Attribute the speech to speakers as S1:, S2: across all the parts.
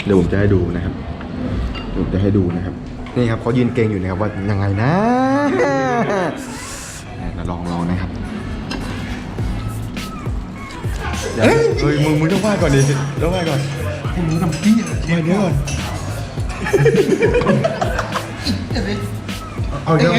S1: เดี๋ยวผมจะให้ดูนะครับนี่ครับเขายืนเก่งอยู่นะครับว่ายังไงนะเราลองนะครับเฮ้ยมึงต้องว่าก่อนดิต้องว่าก่อนพวกมึงทำพี่มาเดี๋ยวก่อนเอาเดี๋ยว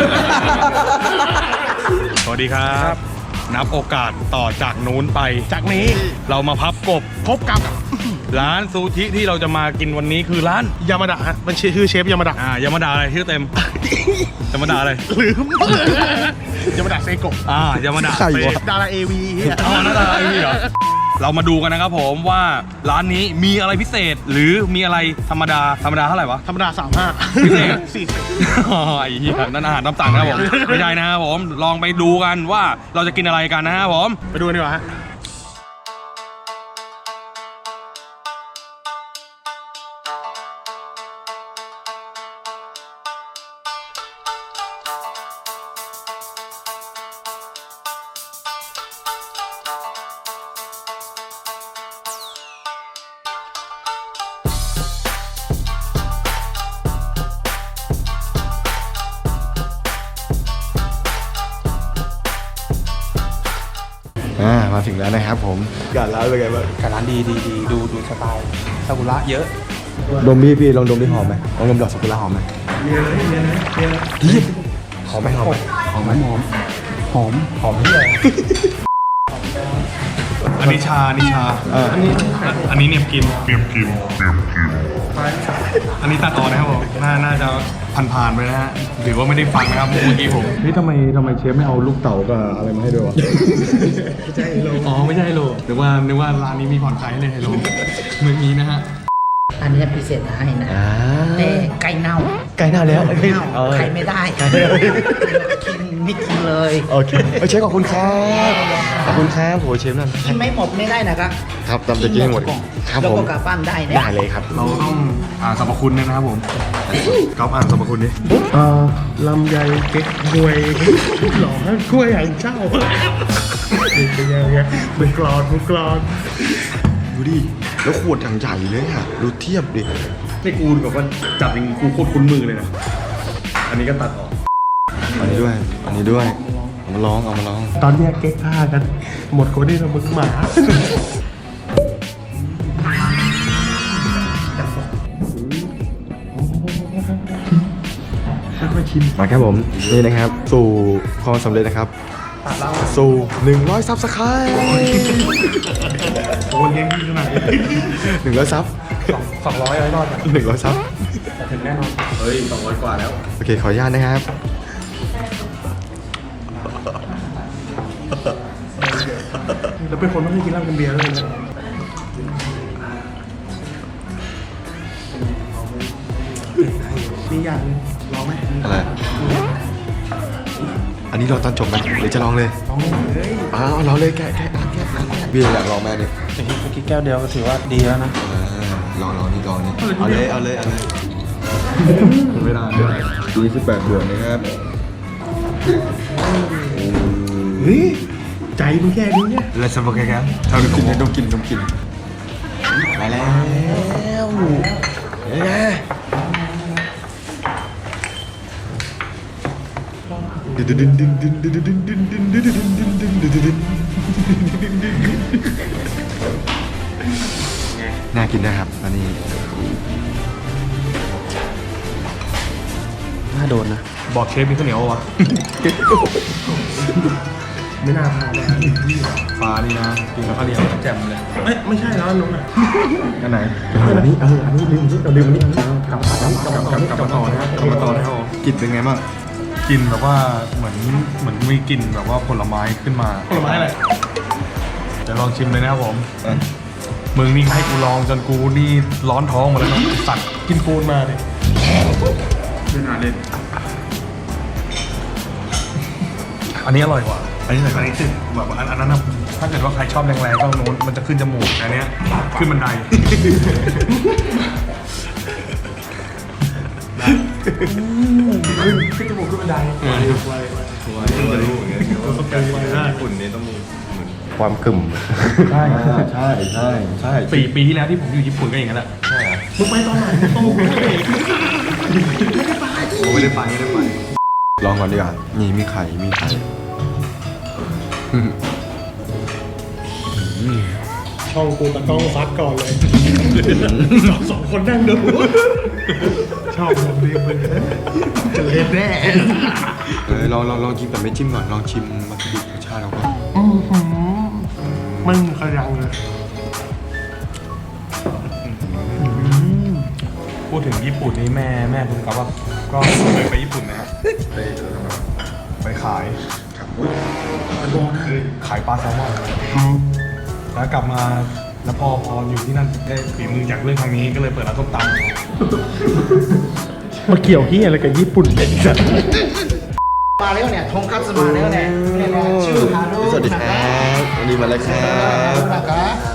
S2: สวัสดีครับ นับโอกาสต่อจากนู้นไปจากนี้เรามาพับกบพบกับร้านซูชิที่เราจะมากินวันนี้คือร้าน
S3: ยามาดะฮะมันชื่อเชฟยามาดะ
S2: ยามาดาอะไรชื่อเต็มยามาดาอะไร
S3: ลืมยามาดะเซโกะ
S2: ยามาดาเซ
S3: ดาราเอวี
S2: ดาราเอวีเหรอเรามาดูกันนะครับผมว่าร้านนี้มีอะไรพิเศษหรือมีอะไรธรรมดาเท่าไหร่วะ
S3: ธรรมดา35
S2: พิเศษ
S3: 40
S2: ไอ้เหี้ยนั่นอาหารตามสั่งนะครับผมไม่ใช่นะครับผมลองไปดูกันว่าเราจะกินอะไรกันนะครับผม
S3: ไปดูกันดีกว่าฮะ
S1: มาถึงแล้วนะครับผมการร้านเป็นไงบ้าง
S4: การร้านดีดูสไตล์ซากุระเยอะ
S1: ดมพี่ลองดมดิหอมไหมลองดมดอกซากุระหอมไหมหอมไหมที่ไหน
S2: อันนี้ชาอันนี้เนี่ยกินอันนี้ตัดต่อนะครับผมน่าจะผ่านไปนะฮะหรือว่าไม่ได้ฟังนะครับเมื่อกี้ผม
S1: ทำไมเชฟไม่เอาลูกเต๋ากับอะไรมาให้ด้วยวะ
S2: ไม่ใช่ไฮโลไม่ใช่ไฮโลนึกว่าร้านนี้มีผ่อนคลายให้เลยไฮโลเมื่อกี้นะฮะ
S5: อันนี้พิเศษให้นะแต่ไก่เน่า
S1: แล้ว
S5: ไข่ไม่ได้ไม่กินเลย
S1: โอเคเชฟขอบคุณครับโหเชฟนั่น
S5: กินไม่หมดไม่ได้นะครับ
S1: ครับตามจะกินให้หมดครับผม
S5: แล้วก็กลับบ้านได้นะ
S1: ได้เลยครับ
S2: เราต้องอ่านสรรพคุณนะครับผมก๊อฟอ่านสรรพคุณดิ
S3: ลำไยเก๊กฮวยหล่อกล้วยหางเจ้าเป็นยังไงมือกรอน
S1: ดูดิแล้วขวดอย่างใหญ่เลยอ่ะดูเทียบดิ
S2: นี่กูแบบว่าจับจริงกูโคตรคุ้นมือเลยนะอันนี้ก็ตัดออก
S1: อันนี้ด้วยเอามาลอง
S3: ตอนแยกเก๊กผ้ากันหมดคนที่เรามึงหมา
S1: มาครับผมนี่นะครับสู่ความสำเร็จนะครับสู่100ซับสไครบ์
S3: โอนยังขนาดนี้
S1: 100ซับ
S3: 200รอด
S1: 100ซับ
S3: ถึงแน่นอน
S2: เฮ้ย200กว่าแล้ว
S1: โอเคขออนุญาตนะครับ
S3: แล้วเป็นคนไม่กินเหล้ากินเบียร์เลยนะมีอย่างลองไหม
S1: อะไรอันนี้เราตอนจบไหมหรือจะลองเลยลองเลยแกะเบียร์อยากลองแม่เนี่ย
S4: เมื่อกี้แก้วเดียวก็ถือว่าดีแล้วนะ
S1: ลองนี่เอาเลยเวลาดู18 บวกนะครับ
S3: เฮ้ยใจมึงแค่นี้เนี่ย
S1: แล้วสมบูรณ์แค่เอาดมกินมาแล้วน่ากินนะครับอันนี้
S4: น่าโดนนะ
S2: บอกเชฟมีข้าวเหนียววะ
S3: ไม่น่าพาเลย
S2: ฟ้านี่นะกินกับข้าวเหนียวแจ่มเลย
S3: ไม่ใช่แล้วนุ๊กอ่ะ
S2: อันไหน
S3: อันนี้ลืมอันนี้กลับมา
S2: ต่อนะครับ
S1: กินเป็นไงบ้าง
S2: กินแบบว่าเหมือนมีกลิ่นแบบว่าผลไม้ขึ้นมา
S3: ผลไม้อะไร
S2: จะลองชิมเลยนะครับผมมึงนี่ให้กูลองจนกูนี่ร้อนท้องหมดแล้วนะสัตว์
S3: กินปูนมาดิ
S2: ไม่น่าเล่นอันนี้อร่อยกว่าอันนี้คือแบบอันนั้นนะถ้าเกิดว่าใครชอบแรงๆก็โน้นมันจะขึ้นจมูกอันนี้ขึ้นบันได
S3: ขึ้นจมูกขึ้นบันได
S1: ฝุ่นนี้ต้องมีความกึ่มใช่
S2: 4 ปีที่แล้วที่ผมอยู่ญี่ปุ่นก็อย่างนั้นแหละ
S3: มึงไปตอนไหนโตกูเลย
S1: ผมไม่ได้ไปลองก่อนดีกว่านี่มีไข่
S3: ช่องกูตะต้องซัดก่อนเลยสองคนนั่งดูชอบแบบนี้มึงจะเล่นแน่
S1: ลองชิมแต่ไม่จิ้มก่อนลองชิมวัตถุดิบรสชาติเราก่อน
S3: มึงขยังเลย
S2: พูดถึงญี่ปุ่นนี่แม่คุณครับว่าก็เคยไปญี่ปุ่นนะฮะไปขายขายปลาแซลมอนแล้วกลับมาแล้วพออยู่ที่นั่นได้ฝีมือจากเรื่องทางนี้ก็เลยเปิดร้านส้มตำ
S3: มาเกี่ยวที่อะไรกับญี่ปุ่นเนี่ยสัตว์
S5: มาแล้วเนี่ยทงคัตสึมาแล้วเนี่ยเนี่ยนะชื่อฮารุ
S1: สวัสดีครับวันนี้มาแล้วครับ
S5: นะคะ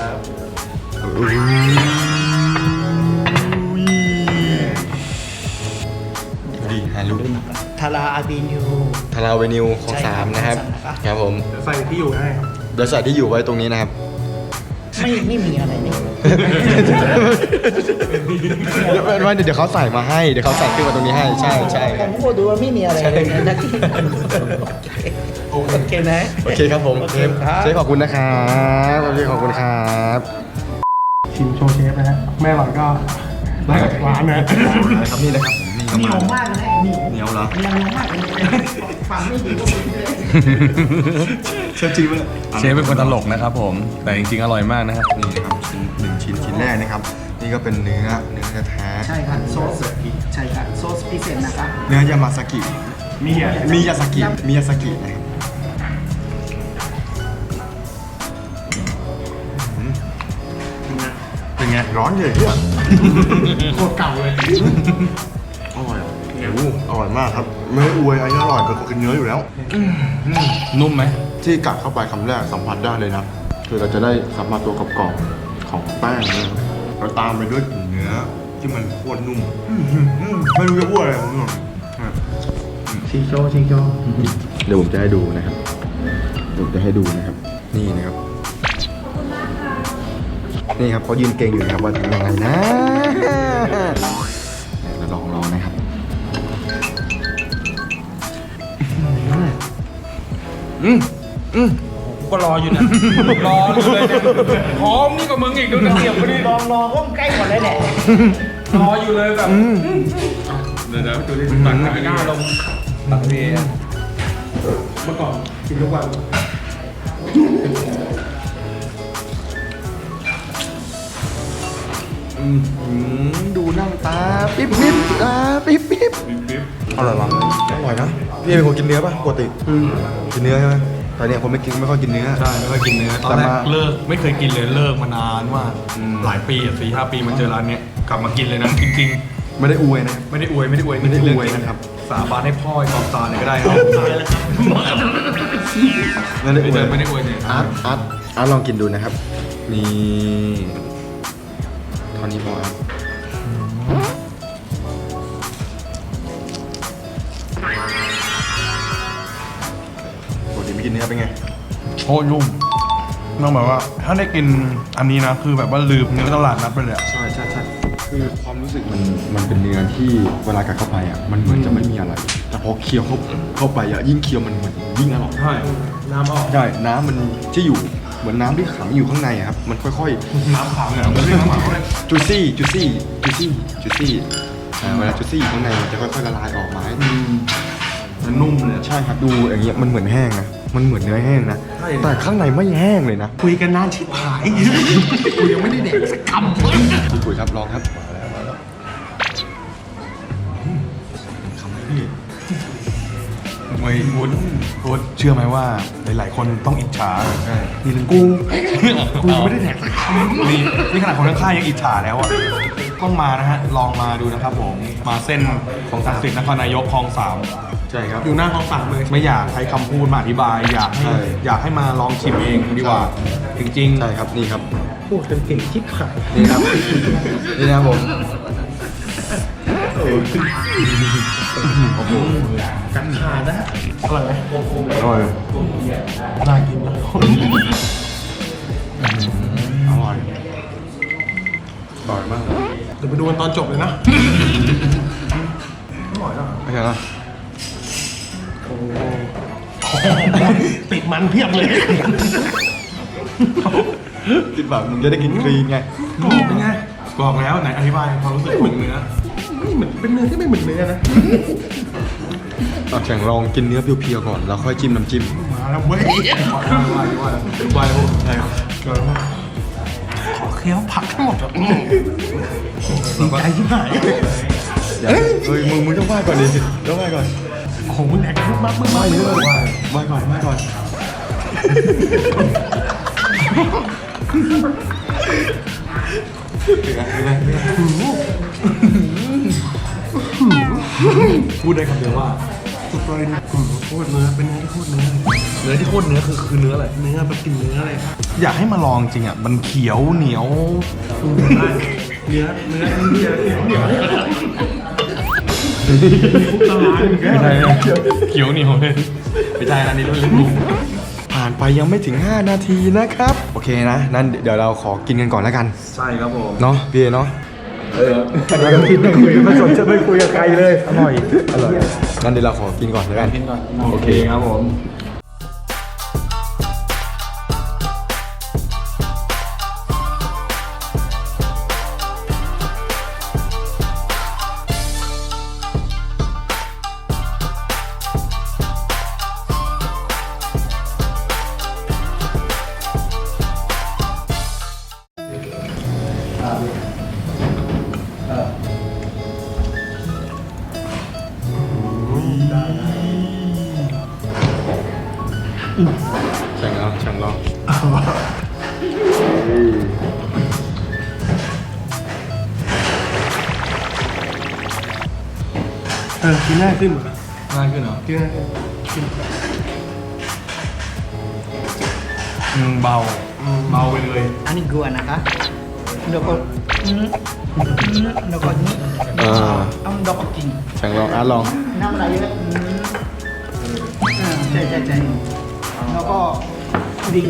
S1: ดีฮารุ
S5: ทาราอาบินิว
S1: ทาราเวนิวของ
S5: ใช่ครับ
S1: 3นะครับ
S5: ครับ
S1: ครับผม
S3: ใส่ที่อยู่ให้ครับ
S1: เดี๋ยวใส่ที่อยู่ไว้ตรงนี้นะครับ
S5: ไม่มีอะไรนี่
S1: เดี๋ยวเขาใส่มาให้เดี๋ยวเขาใส่ขึ้นมาตรงนี้ให้ใช่
S5: ผมก็ดูว่าไม่มีอะไรเลยนะที่โอเคนะ
S1: โอเคครับผม
S5: โอเคครับ
S1: เชฟขอบคุณนะครับโอเคขอบคุณครับ
S3: ชิมโชว์เชฟนะฮะแม่หล่อนก็ได้จากร้านนะ
S1: ครับนี่นะครับผมนี่
S5: เหนียวมากเลยเหนียว
S1: เหนียวเหรอ
S5: เหนียวมากเลยฟังไม่ดีก็ไม่ดีเลย
S1: เชฟจริงไหม
S2: เชฟเป็นคนตลกนะครับผมแต่จริงๆอร่อยมากนะครับ
S1: นี่นะครับชิ้นแรกนะครับนี่ก็เป็นเนื้อแท้
S5: ใช่ครับโซสใช่ครับโซสพิเศษนะครับ
S1: เนื้อยามาซากิ
S3: มีอ่ะ
S1: มิยาซากินะครับเป็นไงร้อนเลยเนี่ย
S3: โคตรเก่าเลย
S1: อร่อยอ่ะโอ้อร่อยมากครับไม่ได้อวยอันนี้อร่อยเป็นคนกินเนื้ออยู่แล้ว
S2: นุ่มไหม
S1: ที่กัดเข้าไปคำแรกสัมผัสได้เลยนะคือเราจะได้สัมผัสตัวกรอบๆของแป้งนะครับแล้วตามไปด้วยกลิ่นเนื้อที่มันโคตรนุ่มไม่รู้จะพูดอะไรผมหรอก
S3: ชิงโจ
S1: เดี๋ยวผมจะให้ดูนะครับผมจะให้ดูนะครับ นี่นะครับนี่ครับเขายืนเก่งอยู่นะครับว่าทำยังไงนะเราลองนะครับ
S2: ก็รออยู่นะรอเลยเนี่ยพร้อมนี่กับมึงอีกดูนะเสียบพอดี
S5: ลองก้มใกล้ก่อนเลยแหละ
S2: รออยู่เลยแบบเดี๋ยวดูดิตักหน้าลงตักเรีย
S3: เมื่อก่อนกินทุกวัน
S1: ดูนั่งตาปิ๊บตาปิ๊บอร่อยมั้งอร่อยนะพี่เป็นคนกินเนื้อป่ะปกติกินเนื้อใช่ไหมแต่เนี่ยคนไม่ค่อยกินเนื้อ
S2: ใช่ไม่ค่อยกินเนื้อตอนแรกเลิกไม่เคยกินเลยเลิกมานานมากหลายปีอ่ะ4-5 ปีมาเจอร้านเนี้ยกลับมากินเลยนะจริง
S1: ไม่ได้อวยนะ
S2: ๆไม่ได้อวย
S1: ไม่ได้อวยนะครับ
S2: สาบานให้พ่อไอ้กองตาเลยก็ได้ครับ
S1: ไม่ได้อวย
S2: ไม่ได้อวยเนี่ย
S1: อาร์ตลองกินดูนะครับนี่ตอนนี้พออาร์ตปกติไม่กินเนื้อเป็นไง
S2: โคตรนุ่มต้องแบบว่าถ้าได้กินอันนี้นะคือแบบว่าลืมเนื้อตลาดนัดไปเลยอะ
S1: ใช่คือความรู้สึกมันเป็นเนื้อที่เวลากัดเข้าไปอ่ะมันเหมือนจะไม่มีอะไร แต่พอเคี้ยวเข้าไปอ่ะยิ่งเคี้ยวมันเหมือนยิ่งอร่อย
S2: ใช่น้ำออก
S1: ใช่น้ำมันที่อยู่เหมือนน้ำที่ขังอยู่ข้างในอะครับมันค่อย
S2: น้ำขาวเนี่ยมันเรียกน้ำขาวเลย
S1: ๆจูซี่เวลาจูซี่อยู่ข้างในมันจะค่อยๆละลายออกมาให้
S2: มันนุ่มเลย
S1: ใช่ครับดูอย่างเงี้ยมันเหมือนแห้งนะมันเหมือนเนื้อแห้งนะแต่ข้างในไม่แห้งเลยนะ
S3: คุยกันนานชิบหายกูยังไม่ได้เด็กสักคำ
S1: พี่ปุ๋ยครับลองครับคำพี่
S2: ไม่พูดเชื่อไหมว่าหลายๆคนต้องอิจฉา
S1: ใช่
S2: นี่ถึงกูยังไม่ได้แดกสักคำนี่ขนาดคนข้างๆยังอิจฉาแล้วอ่ะต้องมานะฮะลองมาดูนะครับผมมาเส้นของศักดิ์สิทธิ์นครนายกคลอง 3
S1: ใช่ครับ
S3: อยู่หน้าห้องฝั่งเลย
S2: ไม่อยากใช้คำพูดมาอธิบายอยากให้มาลองชิมเองดีกว่า จริงๆ
S1: ใช่ครับนี่ครับ
S3: พูดกันเก่งชิบหาย
S1: นี่ครับนี่นะครับผม
S3: กันขาดนะอร่อยไหม
S1: อร่อย
S3: น่ากินนะ
S1: อร่อยมาก
S3: เดี๋ยวไปดูกันตอนจบเลยนะ
S1: ไม่ใช่นะ
S3: ติดมันเพียบเลย
S1: คิดแบบมึงจะได้กินคลีนไง
S2: เป็นไงบอกแล้วไหนอธิบายความรู้สึกของเนื้อ
S3: ไม่เหมือนเป็นเนื้อที่ไม่เหมือนเนื้อนะ
S1: แข่งลองกินเนื้อเพียวๆก่อนแล้วค่อยจิ้มน้ำจิ้ม
S3: มาแล้วเว้ย
S2: วายพวกใช่ครับ
S3: ขอเคี้ยวผักทั้งหมดแบบดีใจที่หาย
S1: เฮ้ยมึงต้องไหว้ก่อนดิต้องไหว้ก่อน
S3: โอ้โหมึงแดกมากมึงมากเยอะเลย
S1: ไหว้ก่อนไหว้ก่อน
S2: พูดได้คำเดียวว่า
S3: สุดเลยโคตรเนื้อเป็นเนื้อที่โคตรเนื้อ
S2: เนื้อที่โคตรเนื้อคือเนื้ออะไร
S3: เนื้อแบบกินเนื้ออะไร
S2: อยากให้มาลองจริงอ่ะมันเขียวเหนียว
S3: เนื้อตลาด
S2: ไม่ใช่นะเขียวเหนียวเลยไม่ใช่นะนี่รุ่นเล็ก
S1: ผ่านไปยังไม่ถึง 5 นาทีนะครับ โอเคนะนั่นเดี๋ยวเราขอกินกันก่อนแล้วกัน
S2: ใช่ครับผม
S1: เนาะพี่เนาะ
S2: เราคิดไม่คุยไม่สนจะไม่คุยกับใครเลยอร่อย
S1: งั้นเดี๋ยวเราขอกินก่อนแล้วกัน
S4: กินก่อน
S2: โอเคครับผม
S1: แข่งแล้วแข่งแล้ว
S3: กินง่ายขึ้น
S2: ง่ายขึ้นเหรอ
S3: กินง่ายขึ้น
S2: เบาไปเลย
S5: อันนี้กลัวนะคะแล้วก็แล้วก็นี่เอาดอกกิน
S1: แข่งลองอาร์ตลอง
S5: น้ำอะไรเยอะใช่แล้วก็ดิง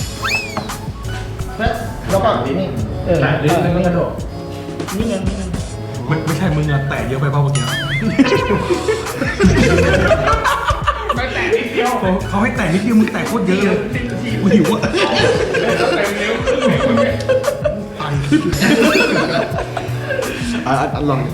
S5: แล้วก็นี่นี่กระโดดนี่ไง
S2: ไม่ใช่มึงอะแตะเยอะไปเปล่าเมื่อกี้ไม่แตะนิดเดียวเขาให้แตะนิดเดียวมึงแตะโคตรเยอะเลยกูหิวอ่ะ
S1: อาร์ตลอง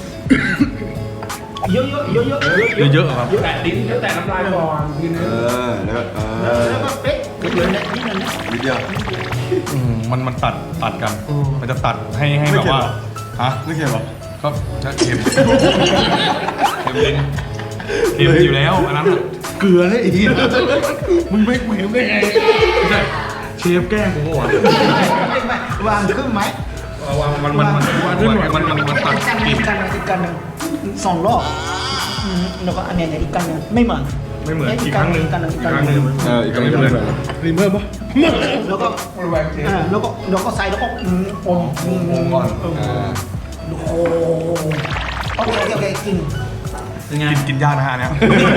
S5: เยอะๆ
S2: เยอะๆครับ
S4: แตะลิ้นแล้วแตะน้ำลายก่อน
S1: แล้วก็
S5: แล้วก็เป๊ะเลยนะนี่นั่นนะ
S1: นิดเดียว
S2: มันตัดกัน มันจะตัดให้แบบว่าฮะ
S1: ไม่เค็มหรอ
S2: ก็จะเค็มลิ้นเค็มอยู่แล้วอันนั้น
S3: เกลือเลยอีกมึงไม่เค็มได้ไง
S2: ไม่ใช่เชฟแกล้งกูเหรอ
S5: วางครึ่งไหม
S2: มันตัดกลิ่น
S5: อีกกันหนึ่งสองรอบแล้วก็อันนี้อีกกันหนึ่งไม่เหมือน
S2: ไม่เหมือนอีกครั้งหนึ่ง
S5: อีกกันหนึ่ง
S2: อีกครั้งหนึ่ง
S1: อีกครั้งหนึ่ง
S3: รีเมอร์ปะ
S5: แล้วก็ใส่แล้วก็อม
S2: ก่อน
S5: โอ้โหโอเคกิน
S2: กินยากนะฮะเนี่ย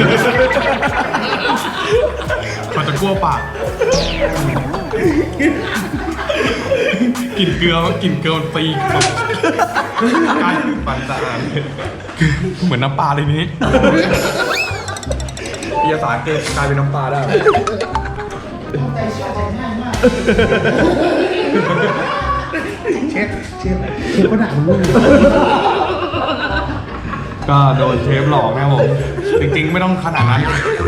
S2: มันจะกลัวปากกลิ่นเกลือมันตีกลายเป็นปันสะอาดเหมือนน้ำปลาเลยนี้เอียสารกลายเป็นน้ำปลาได้
S3: เชฟก็ด่ามึงเลย
S2: ก็โดนเชฟหลอกนะครับผมจริงๆไม่ต้องขนาดนั้น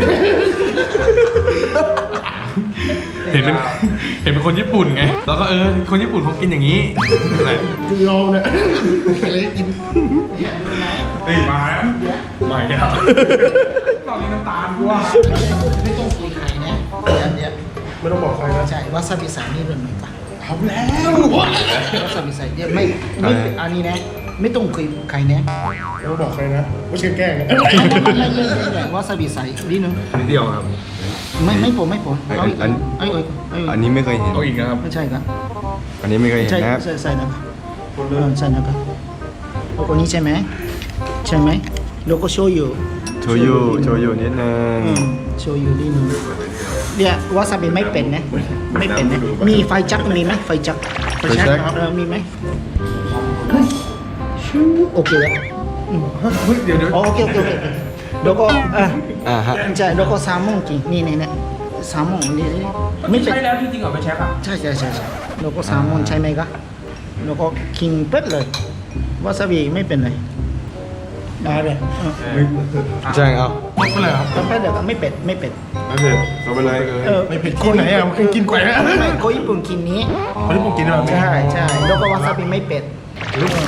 S2: เห็นเป็นคนญี่ปุ่นไงแล้วก็คนญี่ปุ่นเขากินอย่างนี้อะไร
S3: คือเราเนี่ยอะไรกิน
S2: เฮ้ยมาแล้วมาอีกแล้วตอนนี้น้ำตาลกูว่า
S5: ไม่ต้องคุยใครนะเดี๋ยว
S3: ไม่ต้องบอกใครนะ
S5: ใช่วาซาบิใส่นี่เรื่องไหนปะ
S3: ทำแล้ว
S5: วาซาบิใส่เนี่ยไม่อันนี้นะไม่ต้องคุยใครนะ
S3: ไม่ต้องบอกใครนะว่าเชฟแกล้งนะ
S5: ไม่วาซาบิใส่นิดนึง
S2: นิดเดียวครับ
S5: ไม่ผมเอาอีก
S1: อันนี้ไม่เคยเห็น
S2: เอาอีกนะครับ
S5: ไม่ใช่ครับ
S1: อันนี้ไม่เคยเห็น
S5: ใช่
S1: นะครับ
S5: ใส่นะครับใส่นะครับโอ้คนนี้ใช่ไหมแล้วก็โชยุ
S1: โชยุนิดนึง
S5: โชยุนิดนึงเนี่ยวาซาบิไม่เป็นนะไม่เป็นนะมีไฟจักรมีไหมไฟจักรมีไหมโอเคแล้ว
S3: เดี๋ยว
S5: โอเคแล้วก็
S2: ฮะ
S5: ใช่แล้วก็แซลมอนกินนี่แซลมอนนี่ไม่เป็น
S4: ใช่แล้วจริงๆเหรอเป็นเชฟอ่ะ
S5: ใช่แล้วก็แซลมอนใช่ไหมครับแล้วก็กินเป็ดเลยวาซาบิไม่เป็นไรได้เลย
S2: แจ้งเอา
S3: หมดไปเลยครับ
S5: เป็ดเดี๋ยวไม่เป็ด
S1: ไม่เผ็ดเราไปเลย
S3: ไม่ผิดคนไหนอ่ะมันกินแกว่ง
S5: ไม่คนญี่ปุ่นกินนี้
S3: คนที่ผมกินแบบนี้
S5: ใช่แล้วก็วาซาบิไม่เป็ดเป็ด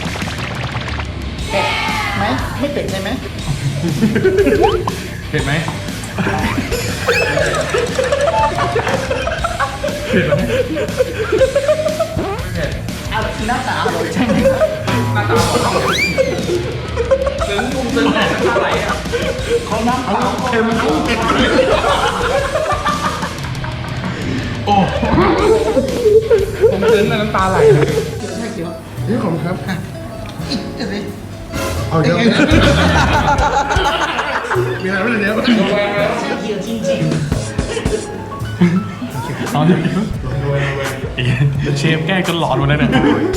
S5: ไหมไม่เป็ดใช่ไหม
S2: เห็นไหม
S5: เอาหน้าตาอร่อยใช่ไหม
S4: หน้าตาบอกซึ้งมุมซึ้งแต่น้ำตาไหลอ่ะ
S5: เขาน้ำเปล่า
S3: เค็มกุ้งเค็มโอ้
S4: ผมซึ้งแต่น้ำตาไหลเลย
S5: ใช่เกี่ยว
S3: นี่ขอบคุณครับ
S5: เดี๋ยวสิ
S3: เอาเดี๋ยวมีอะไรไม่ได้เดี๋ยว
S5: ใช่เกี่ยวจริง
S2: เอาดิเชฟแกล้งจนหลอนหมดเลยเนี่ย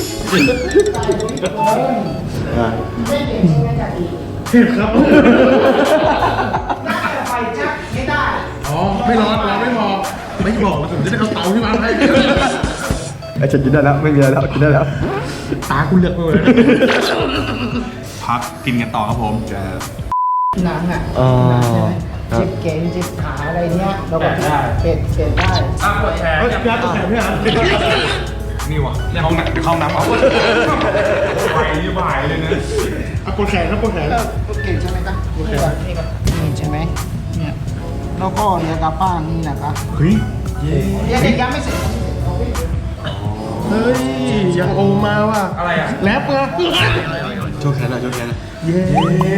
S5: ไม่เป็ดใช่ไหมจ๊ะอี
S3: เผ็ดครับ
S5: น่าจะไฟจักไม่ได้
S3: อ๋อไม่ร้อนเราไม่พอไม่บอกแล้วผมจะได้เอาเตาที่มาให้
S1: ไอ้ฉันกินได้แล้วไม่มีอะไรแล้วกินได้แล้ว
S3: ตาคุณเลือกไปเลย
S2: พักกินกันต่อครับผม
S5: หนังอ่ะ
S1: อ๋อ
S5: เจ็บแขนเจ็บขาอะไรเนี้ยเราก็เป็ดได้
S4: อ่ะปวดแขน
S3: เฮ้ย
S4: เนี่ย
S3: พี่อาร์ตตัวแข็งพี่อาร์ต
S2: นี่วะในห้องน้ำเอาไปยี่บ่ายเลยนะ
S3: อ่ะปวดแขนครับปวดแขน
S5: โอเคใช่ไหมครับนี่ก่อนนี่ใช่ไหมเนี่ยแล้วก็เรียกกับป้านี่นะครับ
S3: เฮ้ย
S5: เรียกยังไม่เสร็จ
S3: เฮ้ยยังโอมาว่ะ
S4: อะไรอ่ะ
S3: แรปไง
S1: โชว์แขนหน่อยโชว์แขนหน่อย
S3: เย้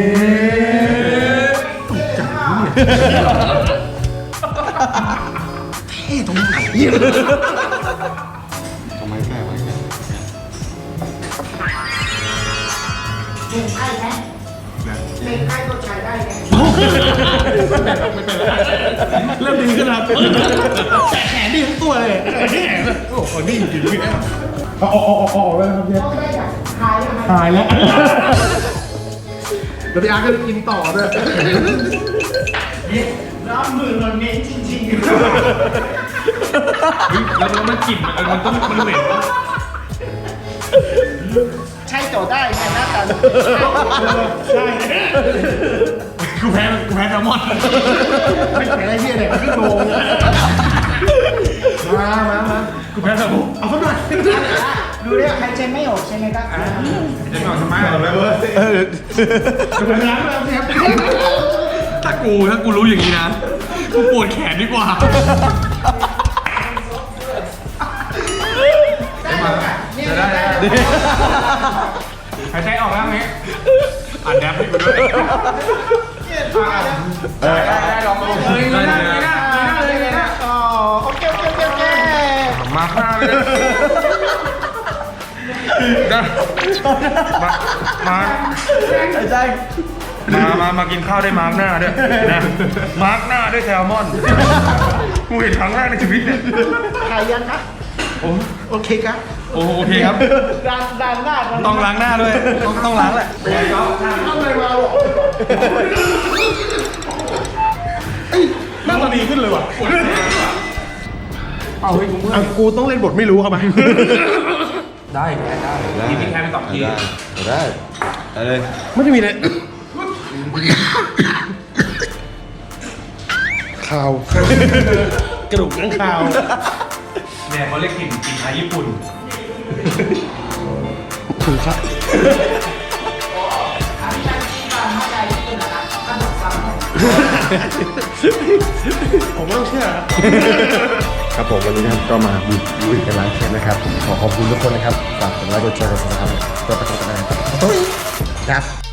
S3: เท่ตรงไหน
S1: ทำไมแค่ไว้แค่
S5: เป็นไข้ไหมเป็นไข้ก็ใช้ได้ไหม
S3: เริ่มดีขึ้นแล้วแต่แขนดีทั้งตัวเลยแขนโอ้โหนี่จริงๆพี่เอาแล้วครับพี่
S5: ต้องได้แบบหายแล้ว
S3: หายแล้วเดี๋ยวพี่อาร์ตก็จะกินต่อด้วย
S5: น้ำมือเราเน้นจริง
S2: แล้วมันกลิ่นมันต้องมันเหม็น
S5: ๆใช้ต่อได้ไงหน้าตา
S3: ใช่
S2: กูแพ้แซลมอน
S3: ไม่แข็งอะไรพี่เนี่ยขึ้นโลงมา
S2: กูแพ้แซลมอน
S3: เอาสักหน่อย
S5: ดูเรียกหายใจไม่ออกใช่ไหมครับ
S4: จะนอนทำไม
S3: เอาเลยเว้ยจะไปล้างแล้วเนี่ย
S2: ถ้ากูรู้อย่างนี้นะ กูปวดแขนดีกว่า
S5: จะได้
S4: หายใจออกแล้วไหม
S2: อัดแดปให้กูด้วย
S4: ได้ลองดูเลยนะเลยนะ
S5: อ๋อโอเค
S4: มาข้าวเลยได้มากินข้าวได้มาร์กหน้าด้วยนะมาร์กหน้าด้วยแซลมอนกูเห็นครั้งแรกในชีวิตเนี่ย
S5: หายยังครับโอเคครับ
S2: โอเคครับ
S5: ด้านหน้า
S2: ต้องล้างหน้าด้วย ต้องล้างแหละ
S3: ทำอะไรมาหรอหน้าตาดีขึ้นเลยว่ะเอาเฮ้ยกูต้องเล่นบทไม่รู้เข้าไป
S4: ได้กินที่แค่ไป2 ที
S1: ได้เลย
S3: ไม่ได้มีเลยข่าวกระดูกข้างข่าว
S2: เนี่ยเขาเรียกกลิ่นไทยญี่ปุ่น
S3: ถูกครับ ผมไม่ต้องเชื่อ
S1: ครับผมวันนี้นะครับก็มาบุยกันร้านเค้กนะครับผมขอขอบคุณทุกคนนะครับฝากกดไลค์กดแชร์กดซับสไครต์เพื่อเป็นกำลังใจครับ